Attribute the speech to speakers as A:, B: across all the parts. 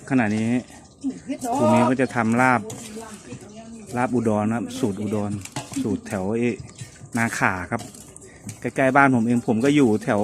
A: ขณะนี้ครูมิ้วก็จะทำลาบอุดรนะครับสูตรอุดรสูตรแถวนาขาครับใกล้ๆบ้านผมเองผมก็อยู่แถว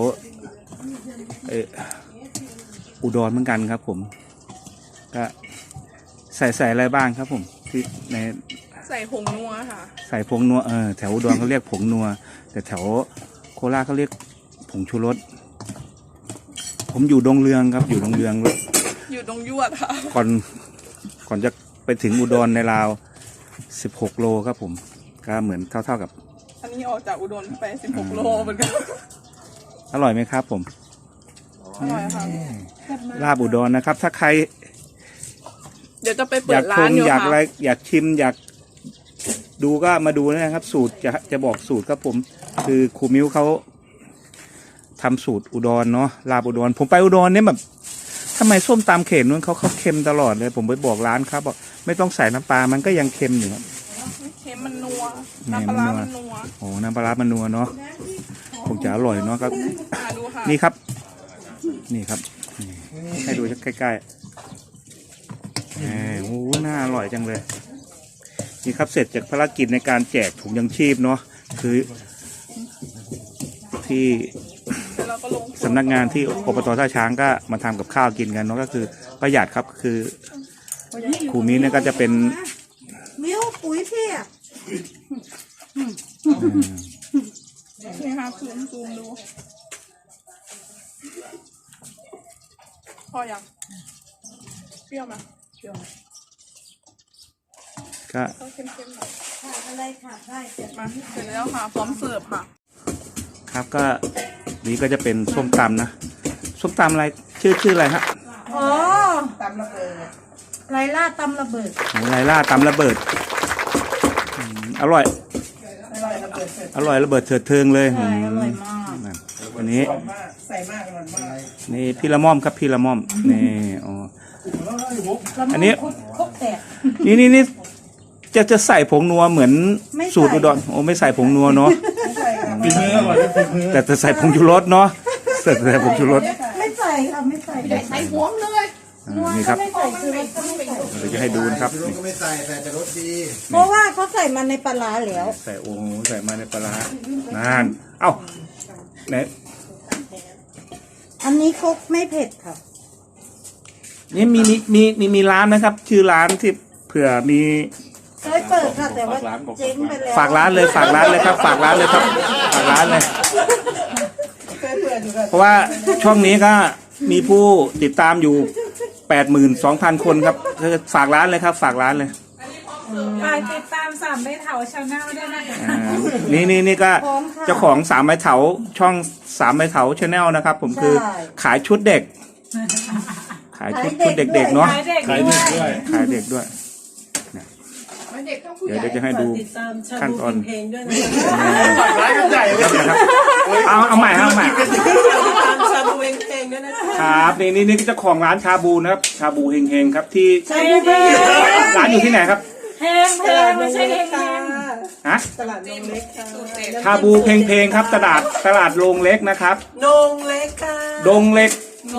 A: อุดรเหมือนกันครับผมก็ใส่อะไรบ้างครับผมที่ใน
B: ใส่ผงนัวค่ะ
A: ใส่ผงนัวแถวอุดรเขาเรียกผงนัวแต่แถวโคราชเขาเรียกผงชูรสผมอยู่ดงเรืองครับอยู่ดงเรือง
B: อยู่ดงยวดค่ะ
A: ก่อนจะไปถึงอุดรในราว16 โลครับผมก็เหมือนเท่ากับ
B: อันนี้ออกจากอุดรไป16 โลเหมือนกัน
A: อร่อยไหมครับผม
B: อร่อยค่ะ
A: ลาบอุดรนะครับถ้าใคร
B: เดี๋ยวจะไปเปิดร้านอยู่ค่ะ
A: อยากอะไรอยากชิมอยากดูก็มาดูนะครับสูตรจะบอกสูตรครับผมคือครูมิ้วเขาทำสูตรอุดรเนาะลาบอุดรผมไปอุดรเนี่ยแบบทำไมส้มตำเข็มนู้นเขาเค็มตลอดเลยผมไปบอกร้านครับบอกไม่ต้องใส่น้ำปลามันก็ยังเค็มอยู่ครับ
B: เค็มมันนัวน้ำปลามันนัว
A: โอ้น้ำปลามันนัวเนาะคงจะอร่อยเนาะครับ
B: ดูค่ะ
A: นี่ครับนี่ครับให้ดูใกล้ๆโอ้น่าอร่อยจังเลยนี่ครับเสร็จจากภารกิจในการแจกถุงยังชีพเนาะคือที่สำนักงานที่อบต.ท่าช้างก็มาทำกับข้าวกินกันเนาะก็คือประหยัดครับคือครูมิ้นเนี่ยก็จะเป็น
C: มิ้วปุ๋ยพี่
B: นี่ค่ะซูมดูพอยังเปรี้ยวไหมเปรี้ยว
A: ก็
B: เค็มๆหน่อย
C: อะไรค่ะได้เสร็จ
B: มาเสร็จแล้วค่ะพร้อมเสิร์ฟค่ะ
A: ครับก็นี่ก็จะเป็นส้มตำนะส้มตำอะไรชื่ออะไรฮะ
C: อ๋อตำระเบิดไรล่าตำระเบิด
A: โอ้ไรล่าตำระเบิดอร่อยอร่อยระเบิดเถิดเทิงเลย
C: อร่อยมาก
A: อันนี้
C: ใส่มากอร่อยมาก
A: นี่พี่ละม่อมครับพี่ละม่อมนี่อ๋ออันนี้
C: ครบแตก
A: นี่จะใส่ผงนัวเหมือนสูตรอุดรโอ้ไม่ใส่ผงนัวเนาะแต่จะใส่ผงชูรสเนาะใส่ผงชูรส
C: ไม่ใส่ค่ะไม่ใส่
B: ใส่หัวเลย
A: นี่ครับ
C: ไม่ใส่คือรสก็ไม่ใส่
A: เดี๋ยวจะให้ดูนะครับ
D: ก็ไม่ใส่แต่รสดี
C: เพราะว่าเขาใส่มาในปลาร้าแล้ว
A: ใส่โอ้ใส่มาในปลาร้านานเอ้าไหน
C: อันนี้ครกไม่เผ็ดค่ะ
A: นี่มีร้านนะครับชื่อร้านที่เผื่อมี
C: เคยเปิดค่ะแต่ว่าเจ๊งไปแล้ว
A: ฝากร้านเลยครับฝากร้านเลยครับฝากร้านเลยเพราะว่าช่องนี้ก็มีผู้ติดตามอยู่ 82,000 คนครับฝากร้านเลยครับฝากร้านเลย
C: ติดตาม3ไม้เถาชาแนลด้วยนะคะ
A: นี่ก็เจ้าของ3ไม้เถาช่อง3ไม้เถาชาแนลนะครับผมคือขายชุดเด็กขายชุดเด็กๆเนาะขายเด็กด้วยเดี๋ยวจะให้ดูขั้นตอน
D: ร้านใหญ่เลย
A: ครับเอาใหม่
B: ชาบูเพลงด้วย
A: นะครับนี่เจ้าของร้านชาบูนะครับชาบูเฮงครับที่ร้านอยู่ที่ไหนครับ
C: เฮงไม่ใช่เฮง
A: ฮะ
B: ตลาดโรงเล็ก
A: ชาบูเพลงครับตลาดโรงเล็กนะครับ
B: โรงเล็กค่ะ
A: โรงเล็ก
B: น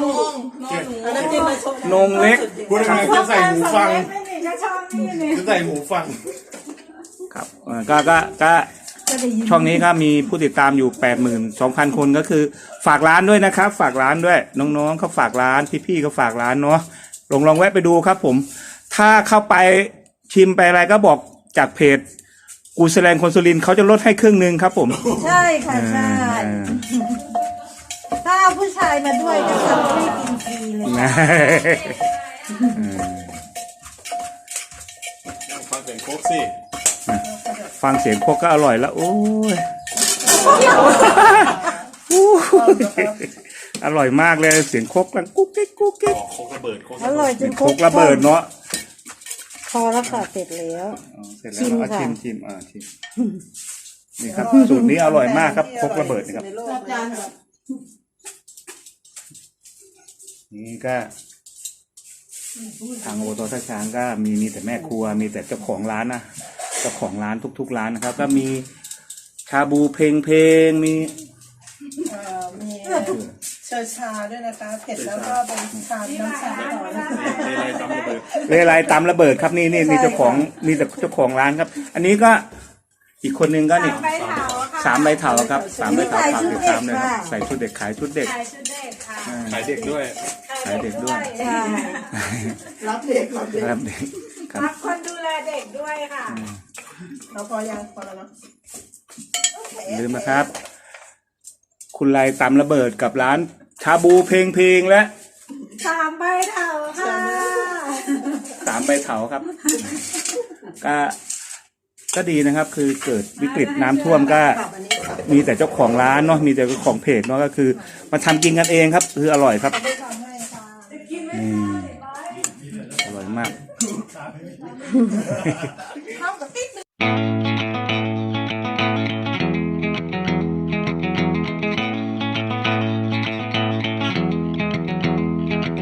A: งเล็ก
D: พูดอะไรจะใส่หูฟังจะใส่หูฟัง
A: ครับก็ช่องนี้ก็มีผู้ติดตามอยู่ 82,000 คนก็คือฝากร้านด้วยนะครับฝากร้านด้วยน้องๆเขาฝากร้านพี่ๆเขาฝากร้านเนาะลองแวะไปดูครับผมถ้าเข้าไปชิมไปอะไรก็บอกจากเพจกูแสดงคนสุรินทร์เขาจะลดให้ครึ่งนึงครับผม
C: ใช่ค่ะใช่ถ้าเอาผู้ชายมาด้วยจะทำให้กินฟรีเลย
D: ฟังเสียงโคกสิ
A: ฟังเสียงโคกก็อร่อยแล้วโอ้ยอร่อยมากเลยเสียงโคกกันกุ๊กกิ๊กโค
D: กระเบิด
C: อร่อยจน
A: โคกระเบิดเนาะ
C: พอแล้วค่ะเสร็จแล้ว
A: ชิมนี่ครับสูตรนี้อร่อยมากครับโคกระเบิดนะครับนี่ก็ทางอบต.ท่าช้างก็มีแต่แม่ครัวมีแต่เจ้าของร้านนะเจ้าของร้านทุกร้านนะครับก็มีชาบูเพลงมี
C: ชเจอชาด้วยนะคะเผ็ดแล้วก็เป็นชาน้ำชาต่อนะคะ
A: เรไรตำระเบิดครับนี่เจ้าของนี่แต่เจ้าของร้านครับ อันนี้ก็อีกคนนึงก็นี่
B: ใบเถาค่ะ
A: 3 ใบเถาครับ3 ใบเถาฝากติดตามเลยครับใส่ชุดเด็กขายชุดเด็ก
B: ขายชุดเด็กค่ะ
A: ขายเด็กด้วย ขายเด็กด้วย
C: ใช่รับเด็กรับเด็ก
A: ครับเด็กครับ
B: รับคนดูแลเด็กด้วยค่ะ
C: เราพอยังพอแล้วเนาะ
A: อย่าลืมนะครับ คุณไรตำระเบิดกับร้านชาบูเพลงและ
B: 3 ใบเถาค่ะ
A: 3 ใบเถาครับ ก็ดีนะครับ คือเกิดวิกฤตน้ำท่วมก็มีแต่เจ้าของร้านเนาะมีแต่เจ้าของเพจเนาะก็คือมาทำกินกันเองครับ คืออร่อยครับนี่อร่อยมาก
C: เข้ากับติ๊กนึง